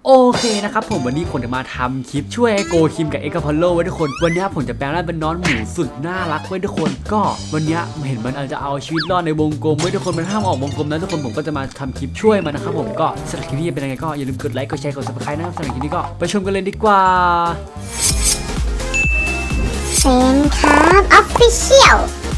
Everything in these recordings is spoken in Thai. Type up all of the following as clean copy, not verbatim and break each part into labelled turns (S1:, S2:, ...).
S1: โอเคนะครับผมวันนี้ผมจะมาทำคลิปช่วยไอโกคิมกับเอ็กซ์พอลโลไว้ทุกคนวันนี้ผมจะแปลงร่างเป็นน้องหมูสุดน่ารักไว้ทุกคนก็วันนี้เห็นมันอาจจะเอาชีวิตรอดในวงกลมไว้ทุกคนมันห้ามออกวงกลมนะทุกคนผมก็จะมาทำคลิปช่วยมันนะครับผมก็สำหรับคลิปนี้เป็นยังไงก็อย่าลืมกดไลค์กดแชร์กด Subscribe นะครับสำหรับคลิปนี้ก็ไปชมกันเลยดีกว่า
S2: เซนครับออฟฟิเชียล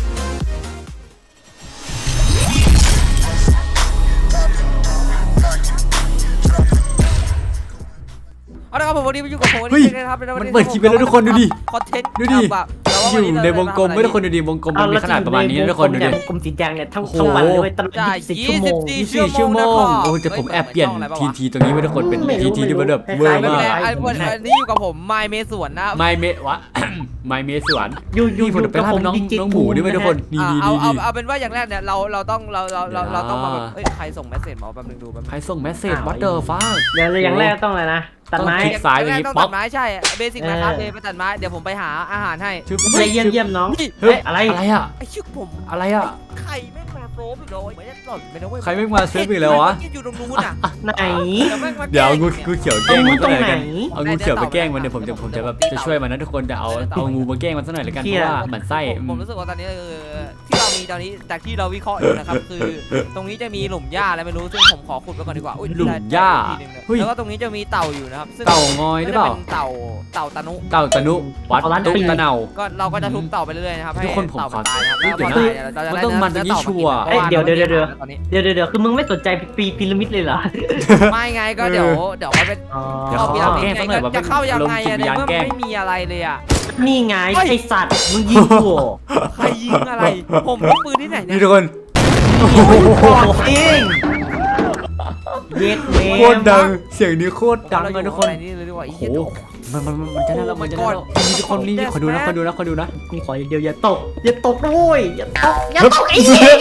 S3: เอาละครับผมวันนี้มาอยู่กับผมวัน
S1: เฮ้ย
S3: นี้นะครับ
S1: มันเปิดคลิปไปแล้วทุกคนดูดิ
S3: คอนเทนต์
S1: ดูดิ
S3: แบบ
S1: อยู่ในวงกลมไม่ทุกคนดูดิวงกลมมันมีขนาดประมาณนี้นะทุกคนดูดิ
S4: วงกลมสีแดงเนี่ยทั้ง
S1: โอ้โห
S4: วันเลยตลอด
S3: ได้
S4: 24 ชั่วโมง
S1: 24 ชั่วโมงโอ้แต่ผมแอบเปลี่ยนทีตรงนี้ไว้ทุกคนเป็นทีที่มันแบบเวอร์
S3: ไม่
S1: มา
S3: เป็น
S1: ก
S3: ไรอันนี้อยู่กับผมไมเมสวนนะ
S1: ไม่เมะวะ ไม่เมะสวน
S4: อยู่
S1: นี่ผมจะไปล่าน้องหมูด้วยไหมทุกคนนี่
S3: เอาเป็นว่าอย่างแรกเนี่ยเราต้องมาแบบเอ้ยใครส่งเมสเซจมาแป๊บนึงดูแป๊บนึง
S1: ใครส่งเมสเซจวัดเดอร์ฟ้า
S4: เดี๋ยวอย่างแรกต้องอะไรนะตัดไม้
S1: คลิกซ้ายตรงนี้
S3: ต้อง
S1: ป๊
S3: ตั
S1: อป
S3: ดไม้ใช่เบสิกนะครับเลยไปตัดไม้เดี๋ยวผมไปหาอาหารให้
S1: ชื่อ
S4: ไปเยี่ยมน้อง
S1: เฮ้ย
S4: อะไร
S1: อะไรอะ
S3: ไอชื่อผม
S1: อะไรอะ
S3: ไข่แม่งมาโปรบอีกเลยไม่ได้หล่อนไปนะเว้ย
S1: ใครไม่มาเซฟอีกแล้ววะ
S3: อยู่ตรงนู้นอ่ะ
S4: ไหน
S1: เดี๋ยวงูเขียวแกล้งมันสักหน่อย
S4: ตรงไหน
S1: กันเอางูเขียวไปแกล้งมันเดี๋ยวผมจะแบบจะช่วยมันนะทุกคนจะเอางูมาแกล้งมันสักหน่อยละกันเพราะว่ามันไส้
S3: ผมรู้สึกว่าตอนนี้ที่เรามีตอนนี้จากที่เราวิเคราะห์อยู่นะครับคือตรงนี้จะมีหลุมหญ้าอะไรไม่รู้ซึ่งผมขอขุดไว้ก่อนดีกว่า
S1: หลุมหญ้าเฮ้ย
S3: แล้วก็ตรงนี้จะมีเต่าอยู่นะครับซึ่ง
S1: เต่างอยหรือเปล่า
S3: เป็นเต่าตะนุ
S1: เต่าตะนุวัดตุ๊กตะเนา
S3: ก็เราก็จะทุบเต่าไปเรื่อยๆนะครับให้
S1: ทุกคนผม
S3: เต่า
S1: ขอ
S3: ตายนะครับ
S1: เดี๋
S3: แล้ว
S1: ยว
S3: พอ
S1: นะ
S3: ตายเราจะ
S1: มันต้องมันตรงนี้ชัวร์
S4: เดี๋ยว
S3: ตอนนี้
S4: เดี๋ยวคือมึงไม่สนใจพีระมิดเลยเหรอ
S3: ไม่ไงก็เดี๋ยวมันเป็น
S1: เดี๋ยว
S3: เข้า
S1: เขา
S3: พีระมิ
S1: แกล้
S3: ด
S1: งสักหน่อยว่า
S3: จะเข้ายังไง
S1: ลงจิต
S3: อะ
S1: วิญ
S3: ใน
S1: ญาณ
S3: เมื่อ
S1: แกล้ง
S3: ไม่มีอะไรเลยอะ
S4: นี่ไงไอสัตว์มึงยิงกู
S3: ใครยิงอะไรผมยิงปืนที่ไหนเนี่
S1: นี่
S3: ย
S1: ทุกคน
S4: บอกเองเย็ดเม
S1: โคตรดังเสียงนี้โคตรดังเลยทุกคน
S3: อะไรนี่เลยดีกว่า
S1: โอ้โหมันจะน่าแล้วมันจะน่าแล้วมีทุกคนนี่ขอดูนะ
S4: มีขออย่างเดียวอย่าตกด้วยอย่าตกไอ้เหี้ย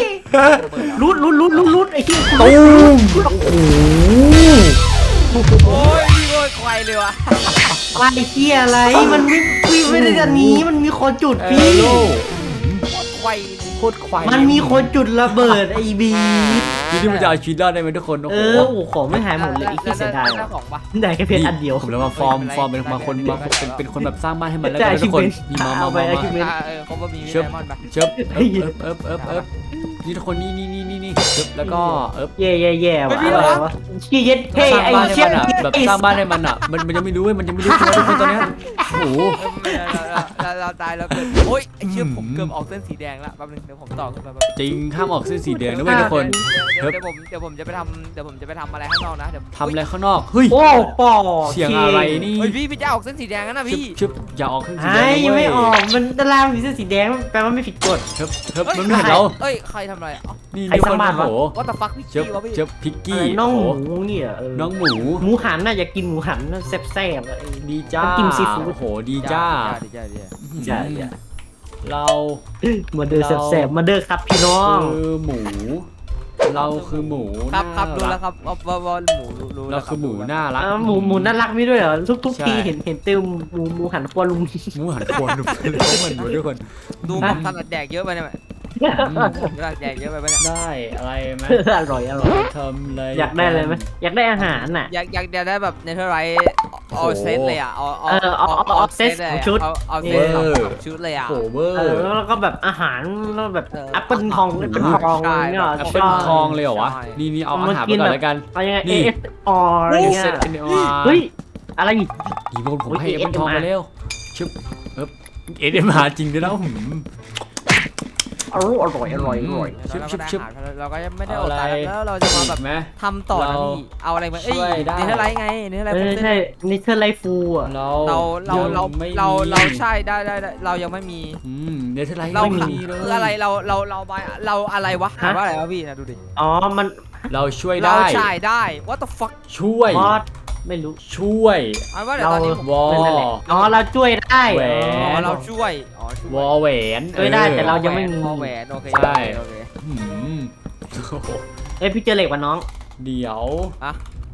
S4: รุดไอ้เหี้ย
S1: ตูม
S3: โอ้ยนี่โอ้ยควายเลยวะ
S4: ไอ้เหี้ยอะไรมันไม่ได้อันนี้มันมีคนจุดพี่
S3: ควาย
S1: โคตรควาย
S4: มันมีคนจุดระเบิดไอ้บี
S1: ที่มันจะเอาชีวิตรอดได้ไหมทุกคนโอ้
S4: เอ
S1: โห
S4: อโอ้ของไม่หายหมดเลยไอ้ที่เสียดาย
S3: แล้วของปะ
S4: ได้แค่เพชรอันเดียว
S1: ผมเลยมาฟอร์มเป็นบางคนเป็นคนแบบสร้างบ้านให้มันแล้วกันทุกคนมีมา
S3: เขาบอกมีไดมอนด์ปะ
S1: เชิบนี่ทุกคนนี่เชิบแล้วก็
S4: แย่ว่ะอะไรวะขี้เย็ดเท่ไอ้เชี่ย
S1: แบบสร้างบ้านให้มันอ่ะมันยังไม่รู้มันยังไม่รู้ตัวทุกคนตอนนี้โอ้โห
S3: เราตายแล้วเกิดโอ้ยไอ้เชี่ยผมเกือบออกเส้นสีแดงละแป๊บนึงเดี๋ยวผมต่อขึ้นมา
S1: จริงห้ามออกเส้นสีแดงนะเว้ยทุกคน
S3: เดี๋ยวผมจะไปทำอะไรข้างนอกนะเดี๋ยว
S1: ทำอะไรข้างนอกเฮ้ย
S4: โอ้ปอ
S1: เสียงอะไรนี่
S3: เฮ้ยพี่จะออกเส้นสีแดงนะพี่
S1: ชึบอย่าออกเส้นสีแด
S4: ไอ้
S1: ง
S4: ยังไม่ออกมันดารามีเส้นสีแดงแปลว่าไม่ผิดกฎ
S1: เชิบมันไม่เห็นเรา
S3: เอ้ยใครทำอะไรอ๋อ
S1: นี่ทุกคนโอ้โห
S3: ว่าแต่ฟักพี่
S1: เชิบ
S3: กี้วะพี่
S1: เชิบพิกกี้
S4: น้องหมูเนี่ย
S1: น้องหมู
S4: หมูหันน่ะอยากกินหมูหันน่ะแซ่บ
S1: ดีจ้า
S4: กินซีฟู้ด
S1: โอ้โหดีจ้า
S4: ใช่
S1: เรา
S4: มาเดอแซ่บมาเดอครับพี่น้อง
S1: คือหมู เราคือหมู
S3: ครับรู้แล้วครับว่าหมูรู้
S1: เราคือหมูน่ารัก
S4: หมูน่ารักไม่ด้วยเหรอทุกทีเห็นเติมหมูหันครัวลุง
S1: หมูหันควรดูเขาเหมือนอยู่ทุกคน
S3: ดูผมถนัดแดกเยอะไปเนี่ยถนัดแดกเยอะไปเนี่ย
S1: ได้อะไรไหม
S4: อร่อย
S1: ทำอะไร
S4: อยากได้อะไรไหมอยากได้อาหารน่ะ
S3: อยากได้แบบเนเธอร์ไรท์เอาเซตเลยอ่ะเอาเซตชุดเลยอ่ะ
S1: โหเวอร์
S4: แล้วก็แบบอาหารแล้วแบบแอปเปิลทองเนี่ย
S1: แอปเปิลทองเลยเหรอวะนี่เอาอาหารไปก่อนแล้วกัน
S4: เอายังไง AS อะไรเงี้ย
S1: เซตเอ็นอาร์
S4: เฮ้ยอะไรอีก
S1: ดีบนผมให้แอปเปิลทองไปเร็วชึบเอ็มหาจริงด้วยนะ
S4: อร่อย
S3: เราก็ไม่ได้อดตายแล้วเราจะมาแบบ
S1: ไหม
S3: ทำต่อนะพี่เอาอะไรมาเอ้ยเนเธอร์ไรท์ไงเนเธอร์ไรท์
S4: ใช่นิเทอร์ไลฟูอ่ะ
S3: เราใช่ได้เรายังไม่มี
S1: เนเธอร์ไลท์
S3: เรา
S1: ไม่มีเลย
S3: คืออะไรเราอะไรวะถามว่าอะไรวะพี่นะดูดิ
S4: อ๋อมัน
S1: เราช่วย
S3: เรา
S1: ได้
S3: ใช่ได้ what the fuck
S1: ช่วย
S4: มอสไม่รู้
S1: ช่วย
S3: อันว่าเดี๋ยวตอนนี้ผม
S1: วอ
S4: อ๋อเราช่วยได้
S1: แหวน
S3: เราช่วย
S1: วอแหวน
S4: ช่วยได้แต่เรายังไม่มี
S3: แหวนโอเค
S1: หืม
S4: เอ้ยพี่เจอเหล็กว่ะน้อง
S1: เดี๋ยว
S3: อะ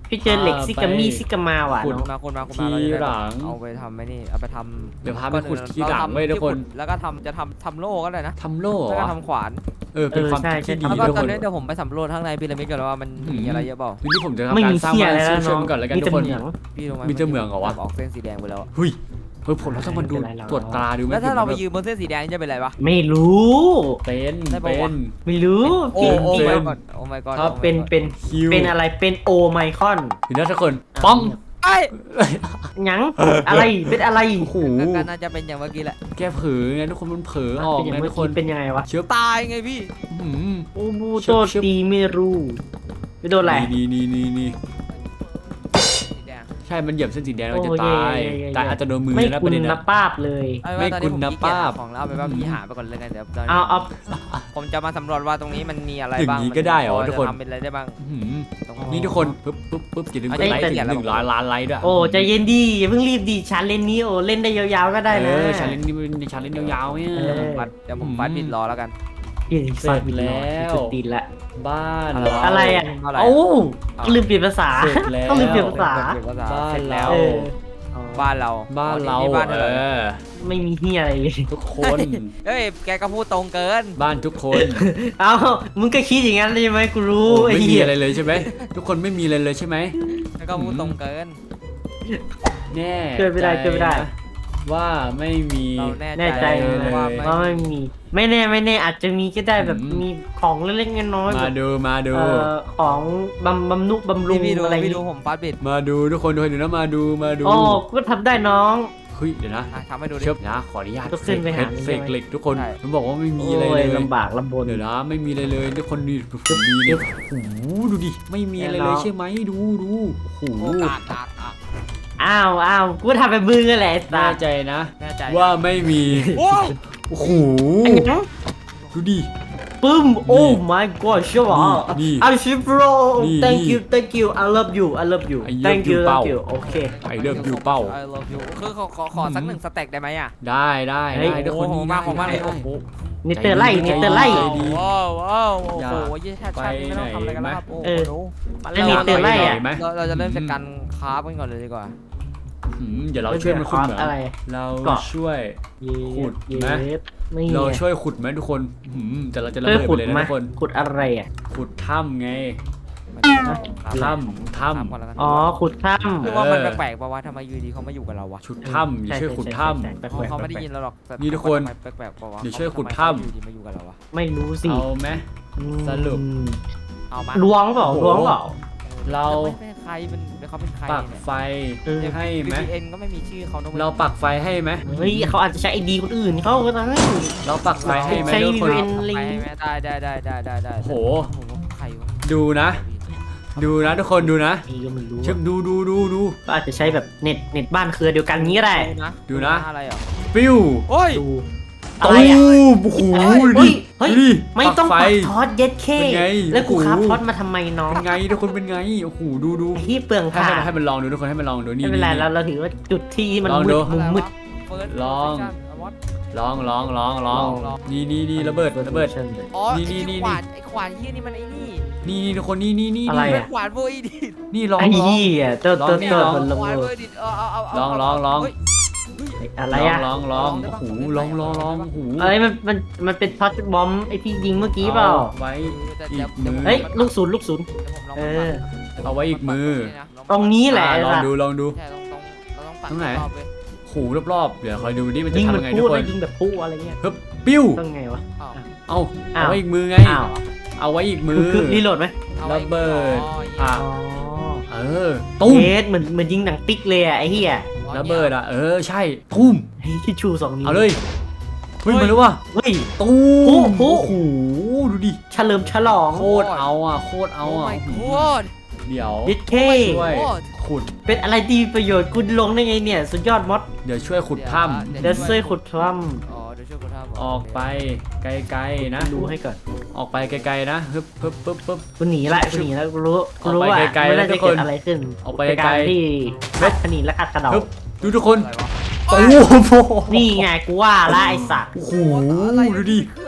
S4: พี่เจอเหล็กซิกามีซิกามาว่ะ
S3: คุณ
S4: น้อง
S3: มาคุณมา
S1: ที
S3: เราจะได้
S1: หลัง
S3: เอาไปทำไอ้นี่เอาไปทำ
S1: เดี๋ยวพาไปขุดทีหลังไว้ทุกคน
S3: แล้วก็จะทำโล่ก็ได้นะ
S1: ทำโล่เหร
S3: แล้วก็
S1: อ
S3: ทำขวาน
S1: เป็นความคิดที่ดี
S3: แล้วก็
S1: ทุก
S3: ตอ
S1: คน น
S3: นี้เดี๋ยวผมไปสำรวจข้างในพีระมิดก่อนว่ามันมีอะไรเยอะเปล่า
S1: ทีนี้ผมจะ
S4: ไม่
S1: ทำการ
S4: มี
S1: สร้าง
S4: เหี้ย
S1: บ้าน
S4: อะไรแล้ว
S1: ช่วย
S4: น้อง
S1: ๆก่อนแล้วกัน
S4: มี
S1: ทุ
S4: แต่
S1: กคน
S4: เหมือง
S3: พี่รู้ไหม
S1: มีแต่เหมืองเหรอวะ
S3: ออกเส้นสีแดงไปแล้ว
S1: เฮ้ยผมเราต้องมาดู
S4: ไม่เป็นไรหรอก
S1: ตรวจตราดูไหม
S3: แล้วถ้าเราไป
S1: แบบ
S3: ยืนบนเส้นสีแดงนี่จะเป็นไรปะ
S4: ไม่รู้
S1: เป็น
S3: ได้ปะ
S1: เป็
S3: วะ
S1: น
S4: ไม่รู้
S3: โอ้
S4: จริง
S3: โอ้
S4: จริง
S3: my god โอ้ my god
S1: ครับ
S4: เป็น
S1: คิว
S4: เป็นอะไรเป็นโอไมคอน
S1: เห็นนะทุกคนป้อง
S3: ไอ้
S4: หยังอะไรเป็นอะไร
S1: โอ้โห
S3: ก็น่าจะเป็นอย่างเมื่อกี้แหละ
S1: แกเผลอไงทุกคนมันเผลอออก
S4: เป็นอย่าง
S1: ไง
S4: เมื่
S1: ทุ
S4: อก
S1: คน
S4: กี้เป็นยังไงวะ
S1: เชื้อ
S3: ตายไงพี่
S1: หืม
S4: โอ้บูโตตีไม่รู้ไปโดนอะไร
S1: นี่
S3: สีแดง
S1: ใช่มันเหยียบเส้นสีแดงเราจะ
S4: โอ้
S1: ตาย
S4: เย่
S1: ตายอาจจะโดนมือ
S4: ไม่
S1: นะป
S4: คุ
S1: ระ
S4: ณ
S1: เด็น
S4: นั
S1: นะ
S4: บป้าบเลย
S1: ไม่คุณนะป้าบ
S3: ของแล้วเอาไปว่าพี่หาไปก่อนเลยกันเดี๋ยวตอนนี้
S4: เอา
S3: ผมจะมาสำรวจว่าตรงนี้มันมีอะไร
S1: อย่าง
S3: บ้าง
S1: นี้ก็ได้เหรอ
S3: มั
S1: ทุกคน
S3: จะทำเป็นอะไรได้บ้าง
S1: หืม
S3: ตรง
S1: นี่ทุกคนปึ๊บอย่าลืมกดไลค์ถึง 100 ล้านไลค์ด้วย
S4: โอ้ใจเย็นดีอย่าเพิ่งรีบดีชาเลนนี้โอ้เล่นได้ยาวๆก็ได้นะ
S1: ชาเลนจ์นี้เป็นชาเลนจ์ยาวๆเนี่ย
S4: เออ
S3: เดี๋ยวผมฟัดบิดรอแล้วกัน
S1: เสร็จแล้ว
S4: จุดตีนละ
S1: บ้าน
S4: อะไรอ่ะ
S3: อะไร
S4: โอ้ลืมเปลี่ยนภาษา
S1: เสร็จแล้ว
S4: ต้องลืมเปลี่ยนภาษา
S1: บ้าน
S3: เสร็จแล้ว
S1: เรา
S4: เออ
S3: บ้านเรา
S1: บ้านเรา
S3: นี่บ้าน
S1: เอ
S3: เรา
S1: อ
S4: ไม่มีเฮียอะไรเลย
S1: ทุกคน
S3: เฮ้ยแกก็พูดตรงเกิน
S1: บ้านทุกคน
S4: เอ้ามึงก็คิดอย่างนั้นใช่ไหมกูรู้ไอ้
S1: ไม่มี
S4: เหี้ย
S1: อะไรเลยใช่ไหมทุกคนไม่มีอะไรเลยใช่ไหม
S3: แกก็พูดตรงเกิน
S1: แน่
S4: ช่วยไม่ได้ช่วยไม่ได้
S1: นะว่าไม่มี
S3: เรา
S4: แน่
S3: แน่
S4: ใจ
S3: ใจ
S1: เลย
S3: ว่า
S4: ว่าไม่มี ไม่แน่อาจจะมีก็ได้แบบ
S1: อืม
S4: มีของเล็กๆน้อยๆแบ
S1: มา
S4: บ
S1: ดู
S4: ของบำนุบำรุง
S3: พี่ดู
S4: อะไร
S3: พี่ดูผมฟัดบิด
S1: มาดูทุกคนดูนะมาดู
S4: โอ้ก็ทำได้น้อง
S1: เฮ้ยเดี๋ยวนะ
S3: ทำให้ดูดิ
S1: เชิบนะขออนุญาต
S4: ต้องขึ้นไปหา
S1: เสกเหล็กทุกคน
S3: ใช่
S1: มันบอกว่าไม่มี
S4: โอ้
S1: อะไรเลย ย
S4: ลำบากลำบน
S1: เดี๋ยวนะไม่มีอะไรเลยทุกคนดูมีเนี่ยโอ้โหดูดิไม่มีอะไรเลยใช่ไหมดูโอ้โห
S3: โอกาส
S4: อ้าวกูทำเป็นมึงนั่นแหละไอ้สั
S1: แน่
S4: ส
S1: ใจนะ
S3: แน่ใจ
S1: ว่าไม่มี
S3: โอ้
S1: โอ้โห
S4: ไอ้หยัง
S1: ดูดิ
S4: ปึ้ม โอ้ my god ใช่ปะ
S1: นี่
S4: อาชิโร่
S1: นี่
S4: thank you I love you I love you
S1: I love
S4: thank you
S1: you เป้า
S4: thank you โอเค
S1: ไอเลิฟยูเป้า
S3: I love you คือขอสักหนึ่งสเต็กได้ไหมอ่ะ
S1: ได้
S4: เฮ้ย
S1: ทุกคน
S3: โอ้โห
S1: นี่
S3: มากของมากเลย
S1: ได้
S3: โอ้โห
S4: เนเตอร์ไล่เนเตอร์ไล่
S1: ใจดี
S3: ว้าวว้าวโอ้
S1: อย่า
S3: โหยี่แค่ชันไม่ต้องทำอะไรกันแล้วครับโอ้
S4: เออ
S3: โห
S4: แล้วเนเตอร์ไล่อะ
S1: ไหม
S3: เราจะเริ่มจากการคราฟกันก่อนเลยดีกว่า
S1: เดี๋ยวเราช่วยมันขุดเหมือง
S4: อะไร
S1: เรา
S4: เกาะ
S1: ช่วย ขุดไหม
S4: เย็ดนี่
S1: เราช่วยขุดไหมทุกคนแต่เราจะระ
S4: ช่วย
S1: เบิด
S4: ขุ
S1: ไป
S4: ด
S1: เลยนะ
S4: ไหม
S1: ทุกคน
S4: ขุดอะไรอ่ะ
S1: ขุดถ้ำไง
S3: ครับ
S1: ถ้
S3: ก่อนแล้วกัน
S4: อ๋อขุดถ้
S3: คือว่ามันแปลกๆป่าวว่าทำไมอยู่ดีเขามาอยู่กับเราวะ
S1: ำชุด
S4: ำ
S1: ถ้ำอย่าช่วยขุดถ้
S4: แปลก
S3: เขาไม่ได้ยินเราหรอกแต่
S1: นี่ทุกคน
S3: แปลกๆป่าวะ
S1: เดี๋ยวช่วยขุดถ้ำ
S3: อยู่ดีมาอยู่กับเราวะ
S4: ไม่รู้
S1: ำ
S4: สิ
S1: เอาไหม สรุป
S3: เอามา
S4: ล้วงเปล่า
S1: โอ้โห
S4: ล้วงเปล่า
S1: เรา
S3: ไม่ใครเป็นเขาเป็นใคร
S1: ปัก
S3: เนี่ย
S1: ไฟให้ไหม
S3: VPN ก็ไม่มีชื่อเขาด้วย
S1: เราปักไฟให้ไหม
S4: เฮ้ยเขาอาจจะใช้ไอดีคนอื่นเขาก็ได้
S1: เราปักไฟให้ไหม
S4: ใช้
S1: ทุกคน
S4: VPN
S3: ไปไหมได้
S1: โอ้โห
S3: ใครวะ
S1: ดูนะทุกคนดูนะ
S4: ไอ้ก็ไม่รู้
S1: เชิบดู
S4: ก็อาจจะใช้แบบเน็ตบ้านเครือเดียวกันงี้ก็ได้
S1: ดูนะ
S3: อะไรอ่ะ
S1: ปิ้ว
S3: โอ้ย
S4: ดู
S1: ตู
S4: อะไรอ่ะ
S1: มโอ้โห
S4: เฮ้
S1: ดิ
S4: ยเฮ้ย
S1: ดิ
S4: ไม่ต้อง
S1: ไฟ
S4: ปักทอดเย็ดเค
S1: เป็นไง
S4: แล้วกู
S1: โอ้โห
S4: ครับทอดมาทำไมน้อง
S1: เป็นไงทุกคนเป็นไงโอ้โหดู
S4: ไอ้ที่เปลือง
S1: ให้
S4: ค่ะ
S1: ให้มันลองดูทุกคนให้มันลองดูนี่
S4: ไม่เป็นไร
S1: นี่
S4: เราถือว่าจุดที่มัน
S1: ลอง
S4: มื
S1: ดู
S4: ดมุมมืด
S1: ลอง ลอง
S3: ลอง
S1: นี่ระเบิด
S3: อ๋อ
S1: นี่
S3: ไอ้ขวานเฮียนี่มันไอ้นี่
S1: นี่ทุกคนนี่
S4: อะไร
S3: เป็
S4: อะ
S3: นขวานโบอีดิ
S1: นี่ลอง
S4: ไอ้ยี่อ่ะเติร์ด
S1: ลอง
S4: เติร์ด
S1: นี่
S4: เติร์ด
S1: ลอง
S4: มันลง
S3: ขวาน
S4: เล
S3: โบ
S4: ย
S3: อีดิเอา
S1: ลอง
S3: เฮ้ย
S4: อะไรอ่ะ
S1: ลองโอ้โหลองโอ้โห
S4: อะไรมันเป็นท็อตบอมไอที่ยิงเมื่อกี้เปล่า
S1: ไว้อีกมือ
S4: เฮ้ยลูกศูนย์ เออ
S1: เอาไว้อีกมือ
S4: ตรงนี้แหละ
S1: ลอง
S4: ล่ะ
S1: ดู
S3: ใช่เราต้องปัด
S1: ตรงไหน
S3: รอบเลย
S1: โอ้โหรอบๆเดี๋ยวคอยดูดิมันจะ
S4: ยิง
S1: ทำ
S4: แบบ
S1: ยังไง
S4: พู
S1: ทุ
S4: ด
S1: กค
S4: แล้ว
S1: น
S4: ยิงแบบพูอะไรเงี้ย
S1: ฮึบปิ้ว
S4: ต้องไงวะ
S3: อ้าว
S1: เอาไว้อีกมือไง
S4: อ้าว
S1: เอาไว้อีกมือ
S4: คือรีโหลดไหม
S3: อาไว้
S1: ระเบิด
S3: อ๋อ
S1: เออตุ้ม
S4: เยสเหมือนยิงหนังติ๊กเลยอ่ะไอ้เหี้ย
S1: ระเบิดใช่ตุ้ม
S4: เฮ้ยที่ชู2 นิ้ว
S1: เอาเลยเฮ้ยมาแล้วว่ะ
S4: เฮ้ย
S1: ตุ้ม
S4: โอ้
S1: โอ้
S4: โห
S1: โหดูดิ
S4: เฉลิมฉลอง
S1: โคตรเอาโคตรเอา
S3: โอ้ my
S1: โอ้โห
S3: god
S1: เดี๋ยว
S4: ยิดเค
S1: ช่วย
S3: โคตร
S1: ขุด
S4: เป็นอะไรดีประโยชน์คุณลงได้ไงเนี่ย สุดยอดมอส
S1: เดี๋ยวช่วยขุดถ้
S4: เดี๋ยวช่วยขุดถ้
S3: อ๋อเดี๋ยวช่วยขุดถ้ำ
S1: ำออกไปไกลๆนะ
S4: ำดูให้ก่อน
S1: ออกไปไกลๆนะฮึบปึ๊บ
S4: กูหนีละกูรู้
S1: ออกไป
S4: ว่า
S1: ไกลๆ
S4: ไม่น่า
S1: นะทุ
S4: จะ
S1: กคน
S4: เกิดอะไรขึ้น
S1: ออกไป
S4: เป็น
S1: ไกล
S4: การ
S1: ๆ
S4: ที่ขัดขนีและขัดกระเดา
S1: ฮึบดูทุกคน
S3: อะไรวะ
S1: โอ้โห
S4: นี่ไงกูว่าละไอสัตว์
S1: โอ้โห
S3: อะไร
S1: ดูดิ
S3: คืออะไรเนี่ย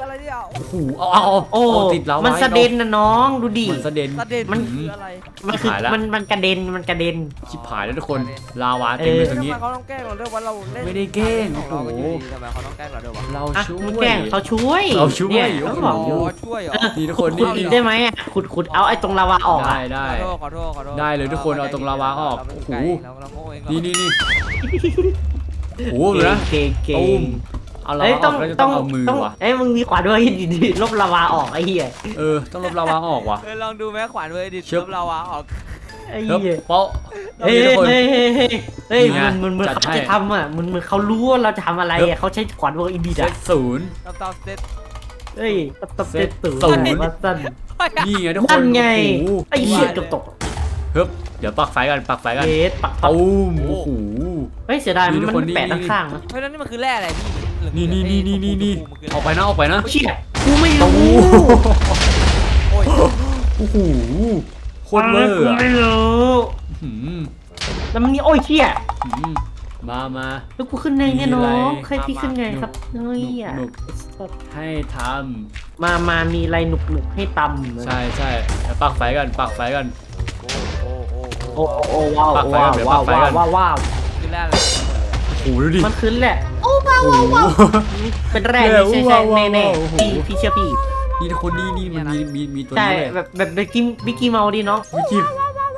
S1: โอ้โหเอาติดลาวา
S4: มันสะเด็นนะน้องดูดิ
S1: มันสะเด็น
S3: ประเด็น
S4: มัน
S3: คืออะไร
S4: มันคือ
S1: หายละ
S4: มันกระเด็นมันกระเด็น
S1: ชิบหายแล้วทุกคนลาวาเต็มเลยตรงนี้
S3: ทำไมเขาต้องแกล้งเราด้วยว่าเราเล่น
S1: ไม่ได้แกล้ง
S3: ของเราก็อยู่
S1: โอ้โห
S3: ดีทำไมเขาต้องแกล้งเราด้วยวะ
S1: เรา
S4: อ่ะ
S1: ช่ว
S4: มัน
S1: ย
S4: แกล้งเขาช่วย
S1: เราช่วย
S4: เนี่ย
S1: โอ้
S4: เขา
S1: โห
S4: บอกอยู่
S3: ช่วยเหรอ
S1: นี่ทุกคน
S4: ขุ
S1: นี่
S4: ดได้ไหมอ่ะขุดเอาไอ้ตรงลาวาออก
S1: ได้
S4: อ่ะ
S1: ได้
S3: ขอโทษ
S1: ได้เลยทุกคนเอาตรงลาวาออก
S3: เรา
S1: โอ้โห
S3: เราโง่เอง
S1: นี่โอ้โหเลยนะ
S4: เก่ง
S1: ตุ้มเอาลาวาออกแล้วจะต้องเอามือว่ะ
S4: เอ้ยมึงมีขวานด้วยดีลบลาวาออกไอ้เหี้ย
S1: ต้องลบลาวาออกว่ะ
S3: ลองดูแม่ขวานเวอร์ดิ
S1: เชิบ
S3: เราวาออก
S4: ไอ้
S1: เฮ้ย
S4: เหี้ย
S1: เปาะ
S4: เฮ้ย
S1: นี่ทุกคน
S4: เฮ้ย
S1: นี่ไง
S4: มัน
S1: จัด
S4: เขา
S1: ให้
S4: จะทำอ่ะมันเขารู้ว่าเราจะทำอะไร
S1: เฮ้ย
S4: อ่ะเขาใช้ขวานเวอร์อินดี
S1: เซ
S4: อ่ะ
S1: ตศูนย์
S3: ตับเซต
S4: เฮ้ยตับ
S1: เซ
S4: เซ
S1: ต
S4: ตตู่
S1: ศูนย์
S4: วัดสั้น
S1: นี่ไงทุกคน
S4: นั่นไง
S1: โอ้โห
S4: ไอ้เหี้ยเกือบตก
S1: เฮ้ยเดี๋ยวปักไฟกันปักไฟกัน
S4: เบสปัก
S1: ตุ้มโอ้โห
S4: เฮ้ยเสียดาย
S1: นี่
S4: มัน
S1: ทุกคน
S4: แปะ
S1: นี่
S4: ข้างๆนะ
S3: เพราะฉะนั้นนี่มันคือแร่อะไรพี่
S1: นี่ออกไปนะออกไปนะ
S4: เชี่ยกูไม่
S1: โอ้
S4: รู้
S3: โอ้ย
S1: โอ้โหโคตรเวอร์
S4: กู
S1: อะ
S4: ไม่รู้
S1: หืม
S4: แล้วมันนี่โอ้ยเชี่ย
S1: หืมมา
S4: แล้วกูขึ้นไงเนี่ยน้อง
S1: มีอะไร
S4: เคยพี่ขึ้นไงครับเฮ้ยอ่ะ
S1: หนุก ให้ท
S4: มามีอะไรหนุกให้ตำ
S1: ำใช่เดี๋ยวปักไฟกันปักไฟกัน
S3: โอ้
S4: โอ้ว้าว
S1: ปักไฟ
S4: ว้า
S1: ก่อน
S4: ว
S1: เดี๋ยว
S4: ว้าว
S1: ปักไฟก่อน
S4: ว้าวว้าว
S3: คือแร่อะไร
S1: โอ้โหดูดิ
S4: มันขึ้นแหละ
S1: โอ้โห
S4: เป็นแรก
S1: เดี๋ยว
S4: ใช่
S1: ว้าว
S4: แน่แน่
S1: โอ้โห
S4: พี่เชื่อพี่
S1: นี่ทุกคนนี่มันมีตัว
S4: ใช่
S1: นี้เลย
S4: แบบบิกกี้เมาดิน้อง
S1: วิกิม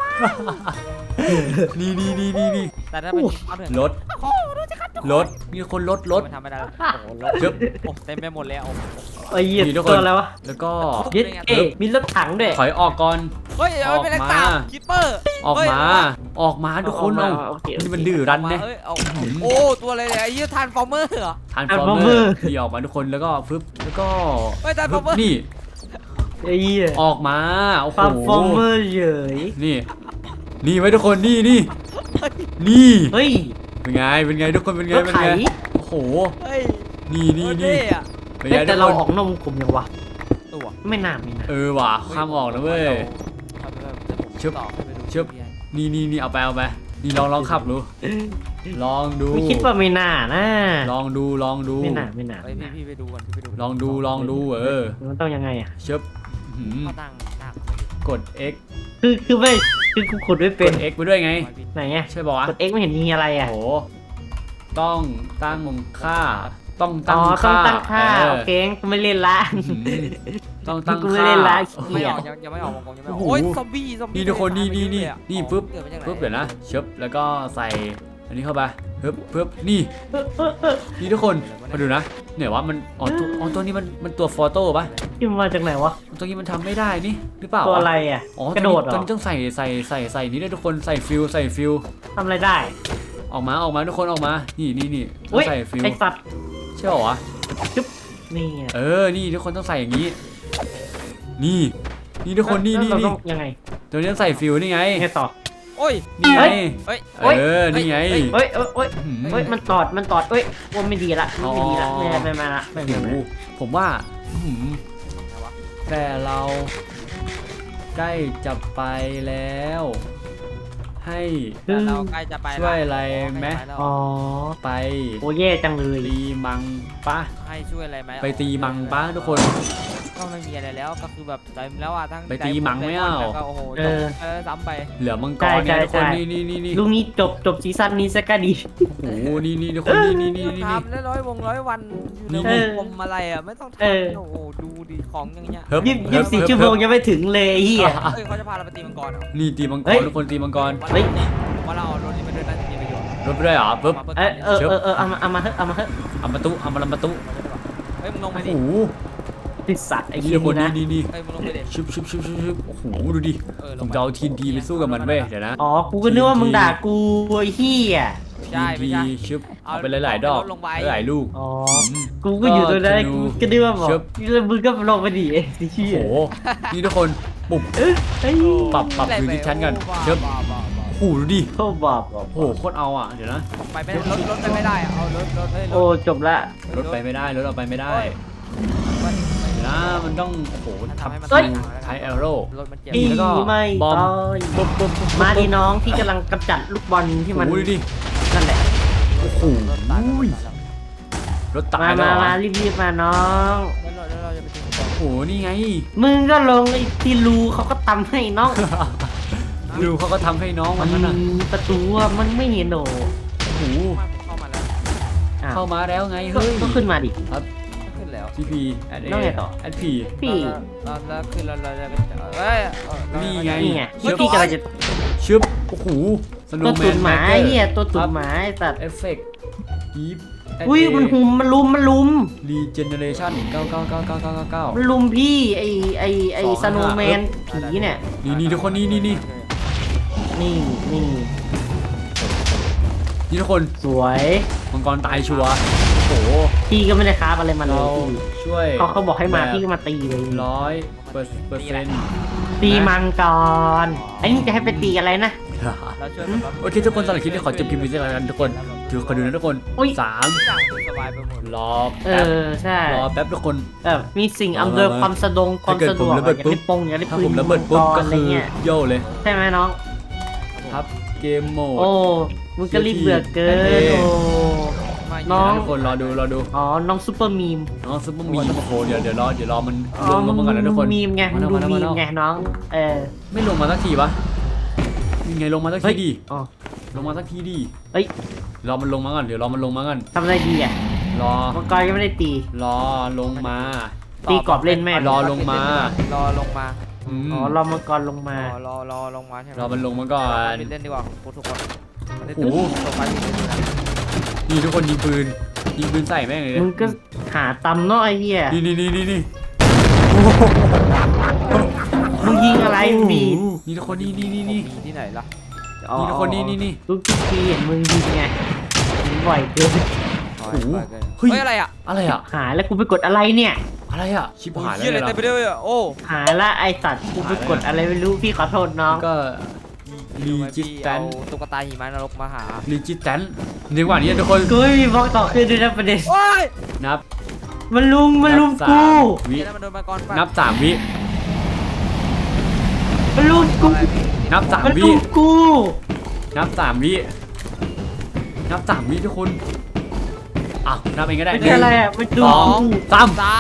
S1: นี่
S3: แต่ถ้าเป็นเอาเถอะ
S1: รถมีคนรถ
S3: มันทำไม่ได้โอ้โหรถ
S1: เชิบ
S3: โอ้เต็มไปหมดเลยโอ้
S4: ไอ้เหี้ย
S1: มีทุกคน
S4: ตัวอะไรวะ
S1: แล้วก็
S4: เย็ดเอ๊ะมีรถถังด้วย
S1: ถอยออกก่อน
S3: เฮ้ยเอาไปเลยตามคิปเปอร์
S1: ออกมาทุกคนเอา
S4: โอเค
S1: นี่มันดื้อรั้นเนี่ย
S3: โอ้ตัวอะไรเนี่ยไอ้ยี่ทานฟอร์เมอร์เหรอ
S1: ทานฟอร์เมอร์ที่ออกมาทุกคนแล้วก็ฟึบแล้วก็
S3: เฮ้ย Transformer
S1: นี่
S4: ไอ้เหี้ย
S1: ออกมาโอ้โห
S4: ฟาร์มฟอร์เมอร์เฉย
S1: นี่ไว้ทุกคนนี่
S4: เฮ้ย
S1: เป็นไงทุกคนเป็นไง
S4: รถไถ
S1: โอ้โห
S3: เฮ้ย
S1: นี่
S3: อ่ะ
S1: เป็น
S4: เฮ้
S1: ไง
S4: ยแต่
S1: ทุก
S4: เรา
S1: คน
S4: ออกนอกวงกลมยังวะ
S3: ตัว
S4: ไม่น่า
S1: ว่ะข้ามออกนะเว้ย ชึบ ชึบ นี่เอาไปนี่ลองขับดูลองดู
S4: ไม่คิดว่าไม่น่านะ
S1: ลองดู
S4: ไม่น่า
S3: เฮ้ยพี่ไปดูก่อนพี่ไปดู
S1: ลองดู
S4: มันต้องยังไงอ่ะ
S1: เชิบหืม
S3: มาตั้ง
S1: กด X
S4: คือไม่คือกูขุดไม่
S1: ก
S4: เป็น
S1: ด X ไปด้วยไง
S4: ไหนอ่ะ
S1: ใช่ป่าวะ
S4: กด X ไม่เห็นมีอะไรอ่ะ
S1: โอ้โหต้องตั้งค่า ต้อง
S4: อ๋
S1: ตั้
S4: อง ต้อง
S1: ค่า
S4: ตั้งค่า
S1: เออ
S4: โอเคกูไม่เล่นละ
S1: หืมต้องตั้ง
S4: กูไม่
S1: ค่า
S4: เล่นละ
S3: ไม่ออกยังไม่ออกวงกลมยังไม่ออก
S1: โอ้โห
S3: โอ้ยซอมบี้
S1: นี่ทุกคนนี่ปึ๊บเดี๋ยวนะเชิบแล้วก็ใส่อันนี้เข้าไปปึ๊บนี่ทุกคนมาดูนะเนี่ยว่ามันตัวนี้มันตัวฟอโต้ปะ
S4: ที่มันมาจากไหนวะ
S1: ตัวนี้มันทำไม่ได้นี่หรือเปล่า
S4: ตัวอะไรอ่ะ กระโดดเหร
S1: ตัว
S4: อ
S1: นี้ต้องใส่นี่ด้วยทุกคนใส่ฟิล
S4: ทำอะไรได้
S1: ออกมาทุกคนออกมานี่ต้อ
S4: อุ้ย
S1: งใส่ฟิล
S4: ไอสัตว์
S1: ใช่ป่าวะ
S4: นี่ไง
S1: นี่ทุกคนต้องใส่อย่างนี้นี่ทุกคนนี่
S4: แล้วเราต้องยังไง
S1: ตัวนี้ต้องใส่ฟิลนี่ไง
S4: ยังไงต่อ
S3: โอ้ย
S1: นี่ไง
S3: เฮ้ย
S1: นี่ไง
S4: เฮ้ย
S1: หืม
S4: เฮ้ยมันตอดเฮ้ยว่าไม่ดีละไม่ดีละไม่มาละไม่
S1: โอ้โหผมว่าหืมแต่เราใกล้จะไปแล้ว ให้
S3: เราใกล้จะไป
S1: ช่วยอะไรไหม
S4: อ๋อ
S1: ไป
S4: โอ้แย่จังเลย
S1: ตีมังปะ
S3: ให้ช่วยอะไรไหม
S1: ไปตีมังปะทุกคน
S3: ก็ไม่มีอะไรแล้วก็คือแบบเต็มแล้วอ่ะทั้ง
S1: ไปตีมังไม่เอา
S3: โอ้โหซ้ำไป
S1: เหลือมังกรเนี่ยทุกคนนี่
S4: ลูกนี้จบซีซั่นนี้ซะก็ดี
S1: โอ้โหนี่ทุกคนนี่
S3: ทำได้100 วันอยู่ในวงกลมอะไรอ่ะไม่ต้องทำโอ้โหดูดิของอย่างเงี้ย
S4: 24 ชั่วโมงยังไม่ถึงเลยไอ้เหี้ย
S3: เฮ้ยเขาจะพาเราไปตีมังกรเหรอ
S1: นี่ตีมังก
S4: เฮ้
S1: ร
S4: ย
S1: ทุกคนตีมังกร
S4: เฮ้ย
S3: ว่าเราเอารถนี้มาด้วยน่าจะมีประโยชน์
S1: รถไปด้วยเหรอปึ๊บ
S4: เอามาเถอะ
S1: เอามาตุ
S3: เฮ้ยมึงลงไป
S1: โอ้
S3: ดิ
S1: โห
S4: ติดสัตว์ไอ้
S1: นี่
S4: เหี้ย
S1: ทุกคน
S4: นี่นะ
S1: นี่
S3: เฮ้ยมึงลงไปดิ
S1: ชุบโอ้โหดูดิผมจะเอาทีนทีไปสู้กับมันเว้ยเดี๋ยวนะ
S4: อ๋อกูก็นึกว่ามึงด่ากูไอ้เหี้ย
S3: ใช่ไม่ใช่
S1: ชุบเอาไปหลายๆดอกหลายลูก
S4: อ๋อกูก็อยู่ตรงนั้นกูก็นึกว่าบอกมึงก็ลงไปดิไอ้เหี้
S1: โอ้
S4: ย
S1: โหนี่ทุกคนปุ่ม
S4: เฮ้ย
S1: ปรับพื้นที่ชั้นกันเชิบโอ้โหดูดิ
S4: โอ้บาป
S1: โอ้โหโคตรเอาอ่ะเดี๋ยวนะ
S3: ไปไม่รถไปไม่ได้เอารถเฮ้ย
S4: โอ้จบละ
S1: รถไปไม่ได้รถเอาไปไม่ได้เดี๋ยวนะมันต้องโอ้โหทำใช้แอโร่
S3: รถมันเจ็บ
S4: อี
S1: แล้วก็
S4: ไม่
S1: บอม
S4: ต่อย
S1: ปุ๊บ
S4: มาดีน้องที่กำลังกำจัดลูกบอลที่มัน
S1: โอ้โหดูดิ
S4: นั่นแหละ
S1: โอ้โห
S3: รถตาย
S1: รถตายแล้ว
S4: มา
S1: เหรอ
S4: มารีบๆมาน้อง
S3: แล้วเราจะไปถึง
S1: โอ้โหนี่ไง
S4: มึงก็ลงไอ้ที่รูเขาก็ทำให้น้อง
S1: ดูเขาก็ทำให้น้อง
S4: มั
S1: มัน นนั่นน่ะ
S4: มีประตูอะมันไม่เห็นโห
S1: โอ้โห
S3: เข้ามาแล้ว
S4: อ้าว
S1: เข้ามาแล้วไง
S4: ก็
S1: เฮ้ย
S4: ก็ขึ้นมาดิ
S1: ครับ
S3: ขึ้นแล้ว
S1: ทีพีแอด
S4: แล้วไงต่อ
S1: แอดพี
S4: พี่
S3: แล้วขึ้นเราจะเอ้ย
S1: นี่ไง
S4: นี่ไงเมื่อกี้กำลังจะ
S1: ชึบโอ้โหสโน
S4: ตัว
S1: ว์แม
S4: ตุ่
S1: น
S4: นหมาไอ้เหี้ยตัวตุ่นหมาไอ้สัตว์
S1: เอฟเฟกต์ยีฟ
S4: อุ้ยมันหุมมันลุม
S1: รีเจเนเรชั่น9999999
S4: มันลุมพี่ไอสโนว์แมนผีเนี่ย
S1: นี่ทุกคนนี่
S4: นี่นี่
S1: ทุกคน
S4: สวย
S1: มังกรตายชัวร์โอ้โห
S4: พี่ก็ไม่ได้ค้าอะไรมาเล
S1: เรา
S4: ยพี่
S1: ช่วย
S4: เขาบอกให้มาพี่ก็มาตีเลย
S1: 100%
S4: ตีมังกรไอ้นี่จะให้ไปตีอะไรนะ
S3: เราช่วย
S1: โอเคทุกคนสำหรับคลิปนี้ขอจบคลิปนี้สักแล้วกันทุกคนถือขอดูนะทุกคน
S4: อุ๊ย
S1: สาม
S3: ต่างสบายไปหมด
S1: รอ
S4: เอ
S1: แป๊บ
S4: อใช่
S1: รอแป๊บทุกคน
S4: แบบมีสิ่งอำนวยความสะดวกความสะดวก
S1: ถ้าเกิดผมระเบิด
S4: อย่าง
S1: ปุ๊บ
S4: ที่ปงอย่างที่
S1: ถ้า
S4: ปื
S1: ผ
S4: น
S1: มระเบิดปุ๊บ
S4: มัง
S1: ก็
S4: อะไร
S1: คือ
S4: เงี้ย
S1: โย่เลย
S4: ใช่ไหมน้อง
S1: ครับเกมโหมด
S4: โอ้มึงก็รีบเบื่อเกิน
S1: เท่
S4: โอ้
S3: มา
S4: น้อง
S1: ทุกคนรอดู
S4: อ๋อน้องซูเปอร์มีม
S1: น้องซุปเปอร์มีโอ้โหเดี๋ยวรอมัน
S4: อ๋
S1: ล
S4: อง
S1: มาก่อนนะทุกคน
S4: มีมไง
S1: มาแล้ว
S4: ดู
S1: มาแล้ว
S4: มี
S1: มาแล้ว
S4: มไงน้องเออ
S1: ไม่ลงมาสักทีวะยังไงลงมาสัก
S4: เฮ้
S1: ที
S4: ย
S1: ดิ
S4: อ๋อ
S1: ลงมาสักทีดิ
S4: เฮ้ย
S1: รอมันลงมาก่อนเดี๋ยวรอมันลงมาก่อน
S4: ทำอะไรดีอ่ะ
S1: รอ
S4: มังกรยังไม่ได้ตี
S1: รอลงมา
S4: ตีกรอบเล่นแม่
S1: รอลงมา
S3: รอลงมา
S1: อืม
S4: อ๋อรอมังกรลงมา
S3: รอลงมาใช่ไหม
S1: รอมันลงมาก่อน
S3: เล่นดีกว่าทุกคน
S1: โอ้โห
S3: ลงไปเล่นนะ
S1: นี่ทุกคนยิงปืนใส่แม่งเลย
S4: มึงก็หาตำเนาะไอ้เหี้ย
S1: นี่
S4: มึงยิงอะไรมึงบีบ
S1: นี่ทุกคนนี่
S3: มีที่ไหนล่ะ
S4: อ๋อ
S1: นี่ทุกคนนี่
S4: ทุกทีเห็นมึงยิงไงมึงบ่อยเกิน
S1: โอ้โห
S3: เฮ้ยอะไรอ่ะ
S1: อะไรอ่ะ
S4: หาแล้วกูไปกดอะไรเนี่ย
S1: อะไรอ่ะชิบหายแล้ว
S3: เฮียอะไร
S1: เนี่ย
S3: เต็มไปด้วยอ่ะโอ้
S4: หาละไอสัตว์กูไปกดอะไรไม่รู้พี่ขอโทษน้อง
S1: ก็รีจิตแตน
S3: ตุ๊กตาหิมะนรกมาหา
S1: รีจิตแตนในวันนี้ทุกคน
S4: กูไม่มีบล็อกต่อขึ้นด้วยนะประเด็น
S3: โอ้ย
S1: นับ
S4: มันลุม
S1: นับ
S4: กู
S1: 3 วิ
S3: เดี๋ยวมันโดนมังกรฟัน
S1: นับ3 วิ
S4: มันลุมกู
S1: นับ
S4: มัน
S1: 3 วิ
S4: ลุมกู
S1: นับ3 วินับ3 วิทุกคนอ่ะนับเองก็ได้
S4: มันคืออะไรอ่ะมันดู
S1: สอง
S4: กู
S1: สาม
S3: สาม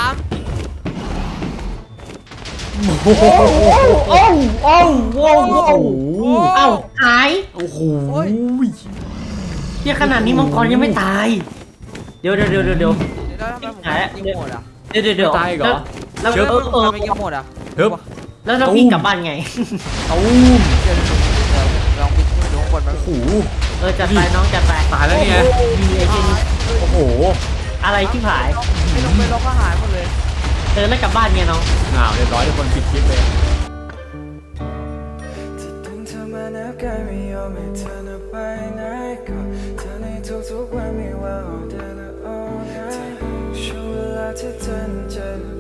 S1: โอ้โห
S4: โอ้โอ้โอ้โอ้เอ้าหาย
S1: โอ้โห
S4: เหี้ยขนาดนี้มังกรยังไม่ตาย เดี๋ยว
S3: แล้วทำไมผมยิงหมดอ่ะ
S4: เดี๋ยว
S1: ตายเหรอ
S4: แล้ว
S1: เชิญ
S3: ทำไมยิงหมดอ่ะ
S1: เฮ้ย
S4: แล้วถ้าพี่กลับบ้านไง
S1: ตูม
S3: ลองไปดูข้างบนมัน
S1: โอ้โห
S4: จัดไปน้องจัดไป
S1: ตายแล้วเนี่ย
S4: มีไอ้เจน
S1: โอ้โห
S4: อะไรที่ผาย
S3: ไม่ลงไปลงก็หายหมดเลย
S4: แล้วกลับบ้านไงน้อง
S1: หนาวเรียบร้อยทุกคนปิดคลิปเลย
S5: ดึงเธอมาแนบกายไม่ยอมให้เธอน่ะไปไหนก็เธอในทุกๆวันไม่ว่า all day และ all night ช่วงเวลาที่เธอนั้นจะ